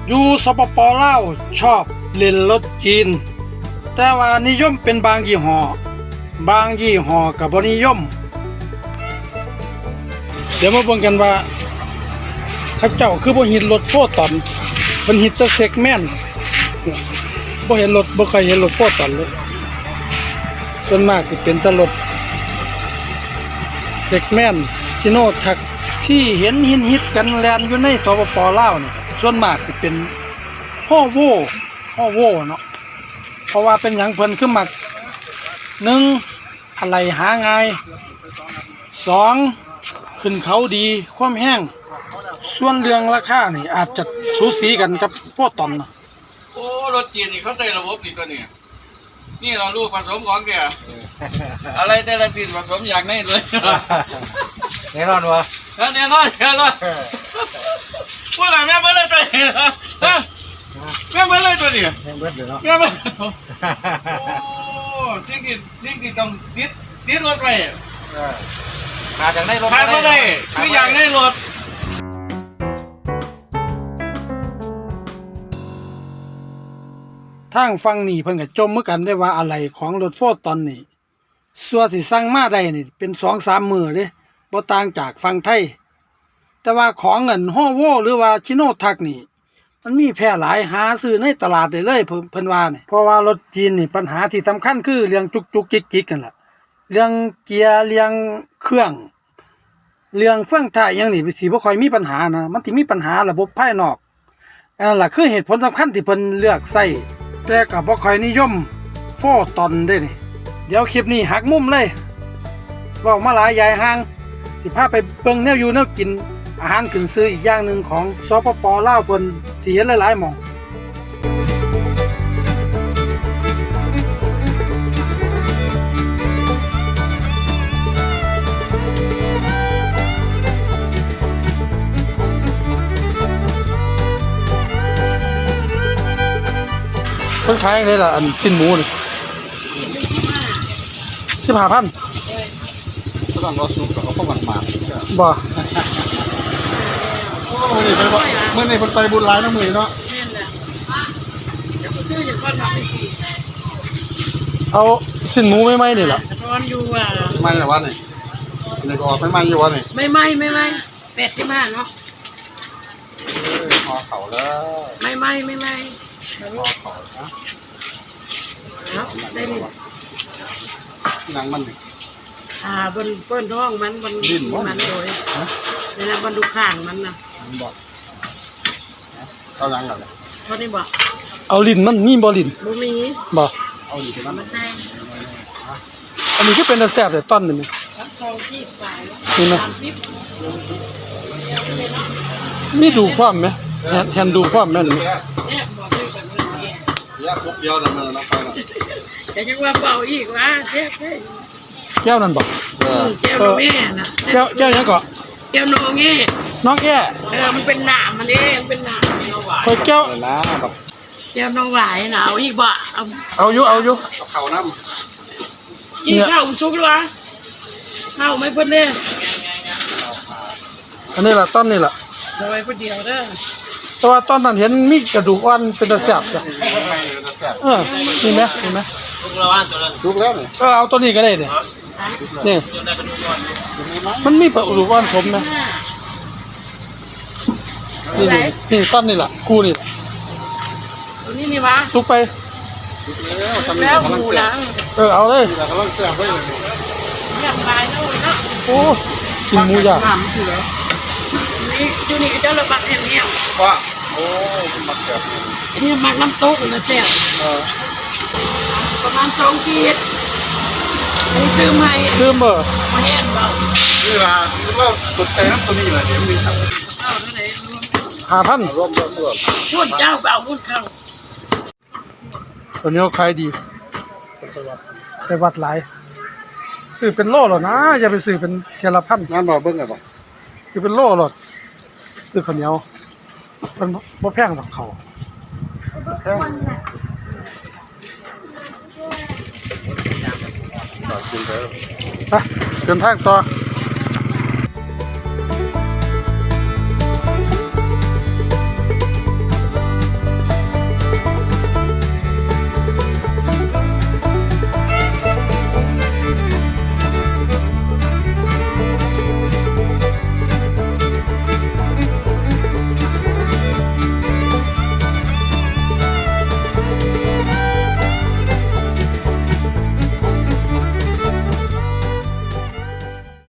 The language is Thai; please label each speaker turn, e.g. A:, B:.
A: อยู่สปป.ลาวชอบเล่นรถจีนแต่ว่านิยมเป็นบางยี่ห้อบางยี่ห้อก็บ่นิยมเดี๋ยวมาเบิ่งกันว่าเขาเจ้าคือบ่ฮิตรถโฟตอนเพิ่นฮิตแต่เซกแมนบ่เห็นรถบ่เคยเห็นรถโฟตอนเลยส่วนมากสิเป็นแต่รถเซกแมนชิโนทักที่เห็นฮิตกันแล่นอยู่ในสปป.ลาวนี่ส่วนมากสิเป็นฮ่อโวเนาะเพราะว่าเป็นหยังเพิ่นคือมัก1อะไรหาง่าย2ขึ้นเขาดีความแห้งส่วนเรื่องราคานี่อาจจะสูสีกันกับพวกตอนเนาะ
B: โอ้รถจีนนี่เขาใส่ระบบนี่ตัวนี้นี่เราลูกผสมของแกอะไรแต่ละสิ่งผสมอย่างนี้เลย
C: แน่นอนวะ
B: แน่นอนพูดอะไรแม่เบิ้ลเลยตัวนี้นะแม่เบิ้ลเลยตัวนี้
C: แม่เบิ้ลเลยเนาะ
B: แม่เบิ้ลโอ้สิ่งที่ต้องติดรถไป
C: ขาจากได้รถ
B: ขาไม่ได้คืออย่างได้รถ
A: ทางฟังนี่เพิ่นก็จมเหมือนกันได้ว่าอะไรของรถโฟร์ตอนนี้ส่วนสิสั่งมาได้นี่เป็น 2-3 มื้อเด้บ่ต่างจากฝั่งไทยแต่ว่าของเงินฮ่อโวหรือว่าชิโนทักนี่มันมีแพร่หลายหาซื้อในตลาดได้เลยเพิ่นว่านี่เพราะว่ารถจีนนี่ปัญหาที่สำคัญคือเรื่องจุกจิกๆกันล่ะเรื่องเกียร์เรื่องเครื่องเรื่องเฟื่องท้ายอย่างนี้สิบ่ค่อยมีปัญหานะมันสิมีปัญหาระบบภายนอกนั่นล่ะคือเหตุผลสำคัญที่เพิ่นเลือกใช้แต่ก็บ่ค่อยนิยมโฟตอนเด้นี่เดี๋ยวคลิปนี้หักมุมเลยเว้ามาหลายยายห่างสิพาไปเบิ่งแนวอยู่แนวกินอาหารขึ้นชื่ออีกอย่างหนึ่งของสปป.ลาวเพิ่นที่เห็นหลายๆหม้องเพิ่นขายได้ล่ะอันสิ้นหมูนี่15,000
B: ก็ต้องรอซุปกับเขาประมาณ
A: บ่
B: เมื่อนี่คนไปบุญร้ายน้ำมือเนาะ
D: ชื่ออย่างก้อนทำไม่กี่
A: เอาสิ้นหมูไม่นี่ล่ะ
D: ร้อนอยู่อ่ะ
B: ไม่หรอวะนี่นี่ก็ออกไม่อยู่วะนี่
D: ไม่85เนาะ
B: พอเขาแล้ว
D: ไม่
B: พอเขานะ
D: ได้ดิ
B: หนังมัน
D: บนเปิ้นท้องมันโดยนี่นะบนดูข้างมันนะ
B: บอกเอาหนังอะไร
D: เขาได้บอก
A: เอาลิ้นมันมีบ่ลิ้น
D: บ่มี
A: บ่
B: เอาอยู่ที่นั่น
A: อันนี้คือเป็นตาแซ่บแต่ต้นนี่มั้ยนี่มั้ยมีดูความมั้ยเห็นดูความแม่นมั้ย
B: ปุ๊บเดียวดำเนินไปแล้ว
D: แต่ยังว่าเบาอีกว่าแท้
A: แก้วนั่นบ่
D: แก้วโนแง่น่ะ
A: แก้วยังก็
D: แก้วโนแง่
A: น้องแก่
D: มันเป็นหนามมันเองเป็นหนาม
A: คอยแก้ว
B: นะแบบ
D: แก้วน้องหวายน่ะเอาอีกบ่
A: เอาอยู่
B: เขาน้
D: ำกินข้าวชุกหรือวะข้าวไม่เพิ่นเด้
A: อันนี้ล่ะต้นนี่ล่ะ
D: โดยผู้เดียวเด้อ
A: แต่ว่าตอนนั้นเห็นมีกระดูกอ่อนเป็นตาแซ่บจ้ะนี่มั้ย
B: ทุกแล้วนี่
A: เอาตัวนี้ก็ได้นี่มันมีกระดูกอ่อนสมนะนี่ต้นนี่ล่ะกูนี่ล่ะ
D: ตัวนี้นี่วะ
A: สุกไป
D: แล้วหมูนะ
A: เอาเลย
B: กำลังแซ่บไว้เลย
D: อยากตายแล้วเนาะ
A: โอ้กินหมูย่าง
D: นี่ตัวนี้เจ้าระบาดแห้งๆ
B: ว่าโอ้มักแบบ
D: นี่มักน้ำตกนะแซ่บประมาณ2 ขีดอันนี้ซื้อมามาแห้งเบา
B: นี่ล่ะเราสุดใจน้ำตัวนี้แหละเดี๋ยวมีครับ
A: 5,000
B: รวม
D: พูดเจ้าเบาพูดเข้า
A: ตัวนี้ขายดีไปวัดหลายซื้อเป็นโลหรอนะอย่าไปซื้อเป็นเทละพัน
B: งานบ่เบิ่งไงบ่
A: คือเป็นโลหรอซื้อข้าวเหนียวมันบ่แพงหรอกเขาไปเดินทางต่อ